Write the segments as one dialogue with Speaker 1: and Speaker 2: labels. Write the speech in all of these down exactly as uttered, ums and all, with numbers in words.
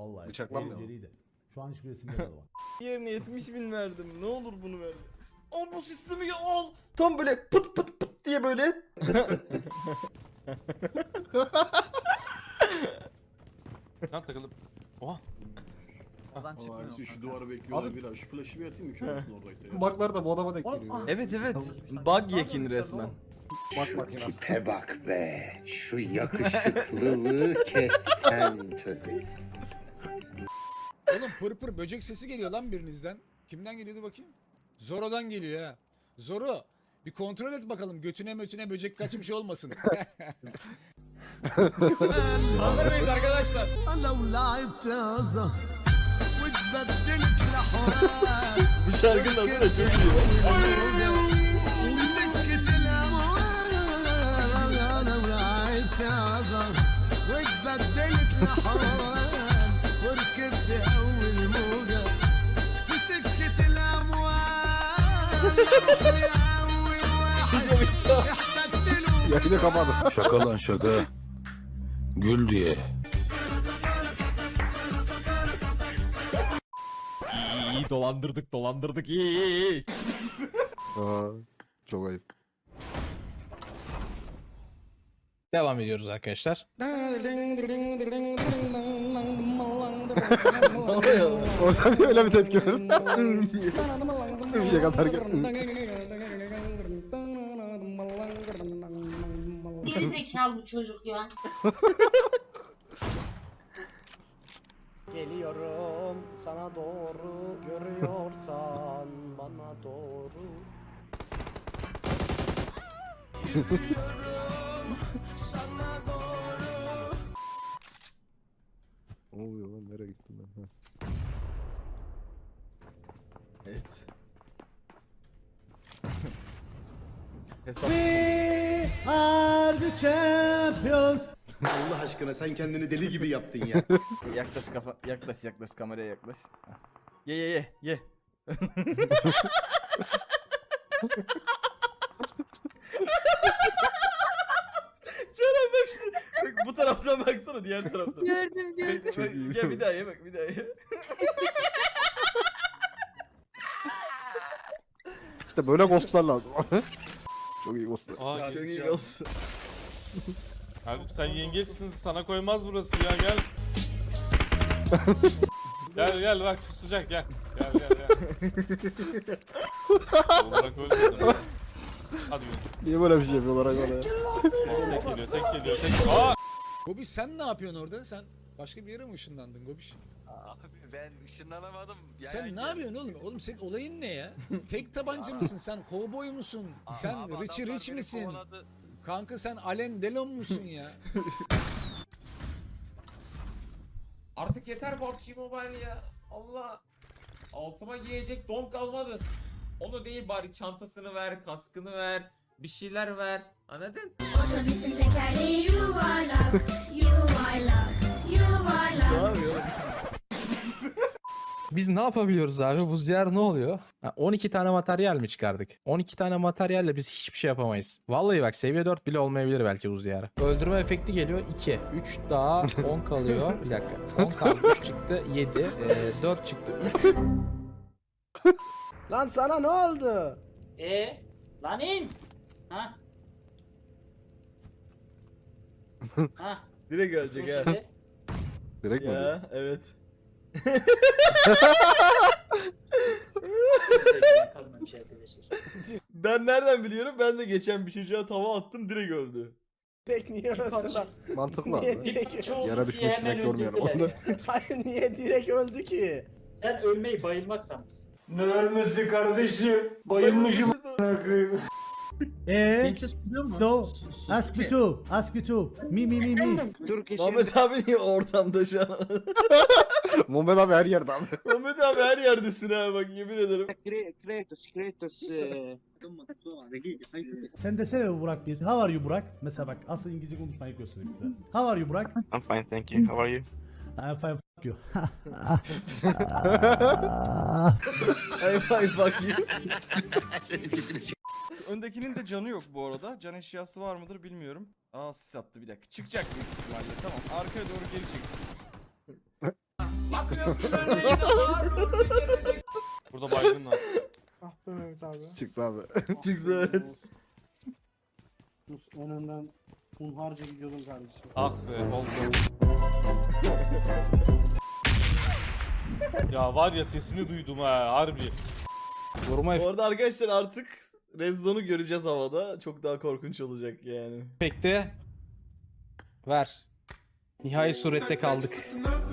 Speaker 1: Vallahi.
Speaker 2: Bıçaklanmıyor mu?
Speaker 1: Eğlenceliydi. Şu an hiçbir resimde de var.
Speaker 3: Yerine yetmiş bin verdim. Ne olur bunu ver. Al bu sistemi al. Tam böyle pıt pıt pıt diye böyle.
Speaker 4: Lan takılıp. Oha.
Speaker 5: Abi şu duvarı bekliyorlar biraz. Şu flash'ı bir atayım mı? Kör olsun oradaysa ya.
Speaker 2: Baklar da bu adama denk
Speaker 1: Oğlum,
Speaker 2: geliyor.
Speaker 3: Evet evet. Bug yekin resmen.
Speaker 2: Bak makinası.
Speaker 6: Tipe bak be. Şu yakışıklılığı kesen töküz.
Speaker 7: Oğlum pır pır böcek sesi geliyor lan birinizden. Kimden geliyordu bakayım? Zoro'dan geliyor ha. Zoro bir kontrol et bakalım götüne mötüne böcek kaçmış olmasın. Hazır mıyız arkadaşlar?
Speaker 3: Bu şarkının adı da çok iyi.
Speaker 2: Yayını kapadı.
Speaker 8: Şaka lan şaka. Gül diye.
Speaker 1: İyi iyi dolandırdık dolandırdık iyi iyi iyi.
Speaker 2: Aa, çok ayıp.
Speaker 9: Devam ediyoruz arkadaşlar.
Speaker 2: Oradan niye öyle bir tepki verdin? Bir şey kadar gel.
Speaker 10: Geri zekalı bu çocuk ya.
Speaker 1: Geliyorum sana doğru, görüyorsan bana doğru.
Speaker 2: Ne oluyor lan, nereye gittim ben?
Speaker 3: Evet. Hesap.
Speaker 1: We are the champions.
Speaker 5: Allah aşkına sen kendini deli gibi yaptın ya.
Speaker 3: Yaklaş kafa, yaklaş yaklaş kameraya yaklaş. Ye ye ye ye. Canım bak işte. Bak, bu taraftan baksana diğer taraftan.
Speaker 10: Gördüm gördüm.
Speaker 3: Bak, bak, gel bir daha ye bak bir daha ye.
Speaker 2: İşte böyle ghostlar lazım. Çok iyi ghostlar.
Speaker 4: Aa,
Speaker 3: Çok iyi olsun.
Speaker 4: Abi sen yengeçsin, sana koymaz burası ya, gel. Gel gel bak su sıcak, gel. Gel gel gel. Olarak ölmedim. Hadi yürü.
Speaker 2: Niye böyle bir şey yapıyorlar oraya?
Speaker 4: Tek geliyor, tek geliyor, tek. Aa!
Speaker 7: Gobiş sen ne yapıyorsun orada? Sen başka bir yere mi ışınlandın Gobiş?
Speaker 11: Abi ben ışınlanamadım. Yani
Speaker 7: Sen ne yapıyorsun oğlum? Oğlum senin olayın ne ya? Tek tabanca mısın sen? Kovboy musun? Sen
Speaker 11: Abi
Speaker 7: Richie
Speaker 11: adamlar
Speaker 7: Rich
Speaker 11: beni
Speaker 7: misin?
Speaker 11: kovaladı.
Speaker 7: Kanka sen Alain Delon musun ya?
Speaker 11: Artık yeter P U B G Mobile ya. Allah. Altıma giyecek don kalmadı. Onu değil bari çantasını ver, kaskını ver, bir şeyler ver. Anladın?
Speaker 10: Otobüsün tekerleği yuvarlak, yuvarlak, yuvarlak.
Speaker 3: Ne yapıyor?
Speaker 9: Biz ne yapabiliyoruz abi? Bu ziyar ne oluyor? Ha, on iki tane materyal mi çıkardık? on iki tane materyalle biz hiçbir şey yapamayız. Vallahi bak seviye dört bile olmayabilir belki bu ziyarı. Öldürme efekti geliyor iki. üç daha on kalıyor. Bir dakika. on kaldı. üç çıktı. yedi. Ee, dört çıktı. üç.
Speaker 1: Lan sana ne oldu?
Speaker 11: Ee, lan in. Ha? Ha?
Speaker 3: Direkt ölecek ha.
Speaker 2: Direkt mi?
Speaker 3: Ya evet. Ben nereden biliyorum? Ben de geçen bir çocuğa tava attım direkt öldü.
Speaker 1: Pek niye öldü lan?
Speaker 2: Mantıklı
Speaker 1: Niye
Speaker 2: abi.
Speaker 1: direkt
Speaker 2: Yere düşmüş sinek görmeyelim. Onu...
Speaker 1: Hayır niye direkt öldü ki?
Speaker 11: Sen ölmeyi bayılmak sanmışsın.
Speaker 3: Ne ölmesi kardeşim? Bayılmışım.
Speaker 1: Eee? So, ask me too, ask me too. Mi mi mi mi.
Speaker 3: Mehmet abi niye ortamda şu an?
Speaker 2: Muhammed abi her yerde abi.
Speaker 3: Mehmet abi her yerdesin ha bak yemin ederim.
Speaker 11: Kratos, Kratos.
Speaker 1: Sen desene Burak bir. How are you Burak? Mesela bak asıl İngilizce konuşmayı göstereyim size. How are you Burak?
Speaker 4: I'm fine, thank you. How are you?
Speaker 1: I'm fine fuck you.
Speaker 3: Ay ay bak ya. Öndekinin de canı yok bu arada. Can eşyası var mıdır bilmiyorum. Aa sis attı bir dakika. Çıkacak büyük ihtimalle. Tamam arkaya doğru geri çek.
Speaker 11: Bakıyorsun öyle yine Harun bir kere de.
Speaker 4: Burada baygın var.
Speaker 2: Ah be Mehmet abi. Çıktı abi.
Speaker 3: Çıktı evet.
Speaker 1: Önünden hunharca gidiyordum kardeşim.
Speaker 4: Ah be oldu. Ya var ya sesini duydum ha harbi.
Speaker 9: Vurma
Speaker 3: Bu arada arkadaşlar artık Red Zone'u göreceğiz havada. Çok daha korkunç olacak yani.
Speaker 9: efekti ver. Nihai surette kaldık.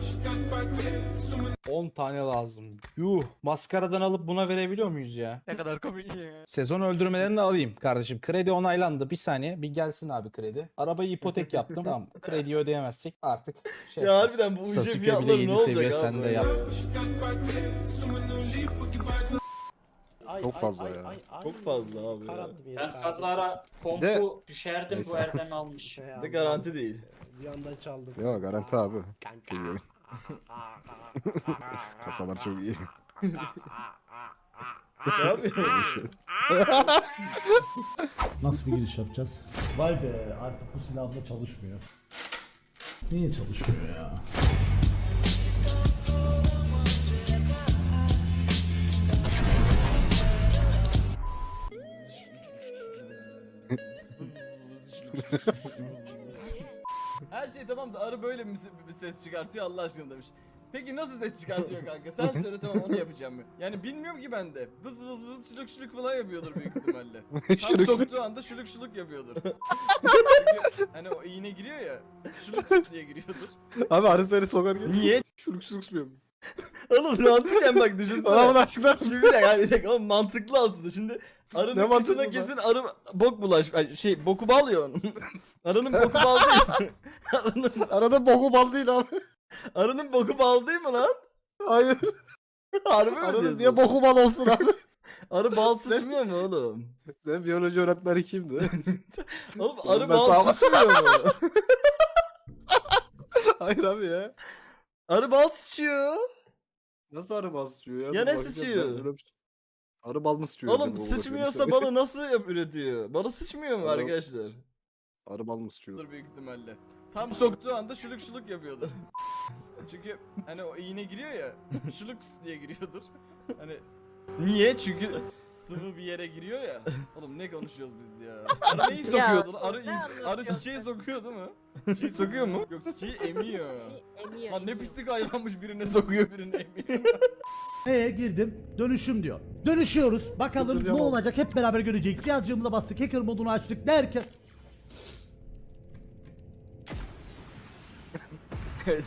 Speaker 9: on tane lazım. Yuh. Maskaradan alıp buna verebiliyor muyuz ya?
Speaker 2: Ne kadar komik ya.
Speaker 9: Sezon öldürmelerini de alayım kardeşim. Kredi onaylandı. Bir saniye. Bir gelsin abi kredi. Arabayı ipotek yaptım. Tamam. Krediyi ödeyemezsek artık şey
Speaker 3: Ya
Speaker 9: yapacağız.
Speaker 3: harbiden bu U J
Speaker 9: Sasuke bile
Speaker 3: fiyatları
Speaker 9: yedi
Speaker 3: ne olacak
Speaker 9: seviye,
Speaker 3: abi
Speaker 9: sen de
Speaker 3: böyle
Speaker 9: yap.
Speaker 2: Çok fazla ya.
Speaker 3: Çok fazla abi ya.
Speaker 12: Ben kazara
Speaker 2: De-
Speaker 12: kompu düşerdim
Speaker 2: Neyse.
Speaker 12: bu Erdem almış.
Speaker 3: Bir de garanti değil.
Speaker 1: Bir yandan çaldım.
Speaker 2: Yok garanti abi. İyi. Kasalar çok iyi.
Speaker 3: Ne yapıyorsun?
Speaker 1: Nasıl bir giriş yapacağız? Vay be artık bu silahla çalışmıyor. Niye çalışmıyor ya?
Speaker 3: Her şey tamam da arı böyle mi bir ses çıkartıyor Allah aşkına demiş. Peki nasıl ses çıkartıyor kanka? Sen söyle tamam onu yapacağım ben. Yani bilmiyorum ki ben de. Vız vız vız şuluk şuluk falan yapıyordur büyük ihtimalle. Tam soktuğu anda şuluk şuluk yapıyordur. Çünkü hani o iğne giriyor ya. Şuluk diye giriyordur.
Speaker 2: Abi arı seni sokar gel.
Speaker 3: Niye?
Speaker 2: Şuluk şuluk sıkmıyor.
Speaker 3: Oğlum mantıken bak düşünsene.
Speaker 2: Bana bunu açıklar mısın?
Speaker 3: Şimdi bir dakika bir dakika oğlum mantıklı aslında. Şimdi arının
Speaker 2: Ne
Speaker 3: kısmına
Speaker 2: mantıklı
Speaker 3: kesin arı bok bulaş ay, şey boku bal ya onun. Arının boku bal değil. arının,
Speaker 2: Arada boku bal değil abi.
Speaker 3: arının boku bal değil mi lan?
Speaker 2: Hayır.
Speaker 3: Harbi mi
Speaker 2: Arada
Speaker 3: diyorsun?
Speaker 2: niye boku bal olsun abi?
Speaker 3: Arı bal sıçmıyor mu oğlum?
Speaker 2: Senin biyoloji öğretmeni kimdi?
Speaker 3: Oğlum
Speaker 2: Oğlum
Speaker 3: arı
Speaker 2: ben
Speaker 3: bal
Speaker 2: sağlam-
Speaker 3: sıçmıyor mu?
Speaker 2: Hayır abi ya.
Speaker 3: Arı bal sıçıyor.
Speaker 2: Nasıl arı bal sıçıyor ya?
Speaker 3: Ya
Speaker 2: Dur
Speaker 3: ne
Speaker 2: bakacağım
Speaker 3: sıçıyor?
Speaker 2: ben böyle bir şey- Arı bal mı sıçıyor?
Speaker 3: Oğlum
Speaker 2: acaba? Onu
Speaker 3: sıçmıyorsa
Speaker 2: bakıyorum.
Speaker 3: balı nasıl yap üretiyor? Balı sıçmıyor mu
Speaker 2: Oğlum.
Speaker 3: arkadaşlar?
Speaker 2: Arı bal mı sıçıyor?
Speaker 3: Dur büyük ihtimalle. Tam soktuğu anda şuluk şuluk yapıyordur. Çünkü hani o iğne giriyor ya. Şuluk diye giriyordur. Hani niye? Çünkü sıvı bir yere giriyor ya. Oğlum ne konuşuyoruz biz ya? Arı neyi sokuyordu? lan? Arı iz- arı çiçeği sokuyor değil mi? Çiçeği sokuyor mu? Yok çiçeği emiyor. Lan ne pislik hayvanmış birine sokuyor birine emiyor.
Speaker 1: Ee girdim. Dönüşüm diyor. Dönüşüyoruz. Bakalım
Speaker 2: Dönüşeceğim
Speaker 1: ne
Speaker 2: abi.
Speaker 1: olacak hep beraber göreceğiz. Cihazcığımıza bastık. Hacker modunu açtık derken.
Speaker 3: Evet.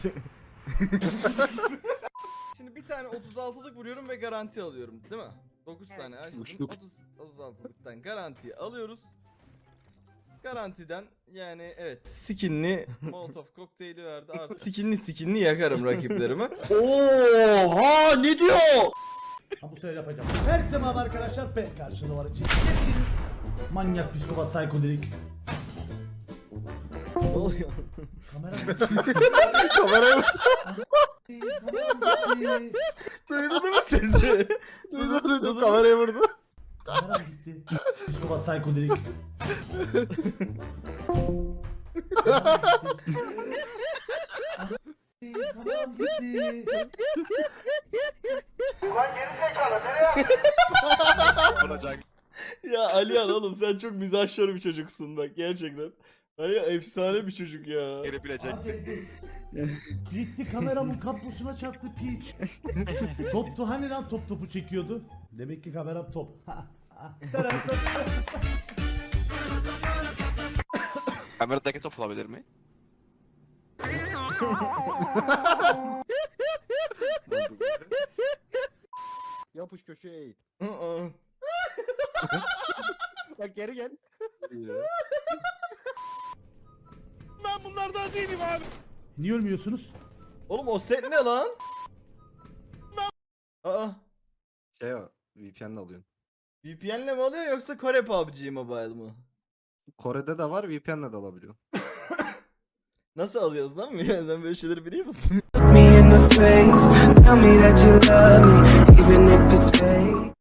Speaker 3: Şimdi bir tane otuz altılık vuruyorum ve garanti alıyorum değil mi? dokuz tane açtım.
Speaker 2: Uçtuk.
Speaker 3: otuz, otuz altılıktan garantiyi alıyoruz. Garantiden yani evet skinli Molotov kokteyli verdi artık. Skinli skinli yakarım rakiplerimi. Oha ne diyor?
Speaker 1: Ha bu sefer yapacağım. Herkese merhaba arkadaşlar. Ben karşılığı var için. Manyak psikopat psikodelik.
Speaker 3: Ne oluyor?
Speaker 1: Kamera
Speaker 2: Kameraya
Speaker 3: Duydun değil mi sesi?
Speaker 2: Duydum duydum kameraya vurdu.
Speaker 1: Kamera gitti. Psikopat psikodelik. Kameram gitti.
Speaker 3: Ya Alihan oğlum sen çok mizahşör bir çocuksun bak gerçekten. Alihan efsane bir çocuk ya.
Speaker 1: Gitti kameramın kablosuna çarptı piç. Toptu hani lan top topu çekiyordu. Demek ki kameram top.
Speaker 8: Kameradaki top olabilir mi?
Speaker 2: Yapış köşeye eğil.
Speaker 3: Aa.
Speaker 2: Bak geri gel.
Speaker 4: Ben bunlardan değilim abi.
Speaker 1: Niye ölmüyorsunuz?
Speaker 3: Oğlum o set ne lan? Aa,
Speaker 2: Şey o. V P N'le alıyorsun.
Speaker 3: V P N'le mi alıyor yoksa Kore P U B G Mobile mı?
Speaker 2: Kore'de de var V P N'le de alabiliyorsun.
Speaker 3: Nasıl alıyoruz lan? Sen böyle şeyleri biliyor musun?
Speaker 12: Me in the face, tell me that you love me, even if it's fake.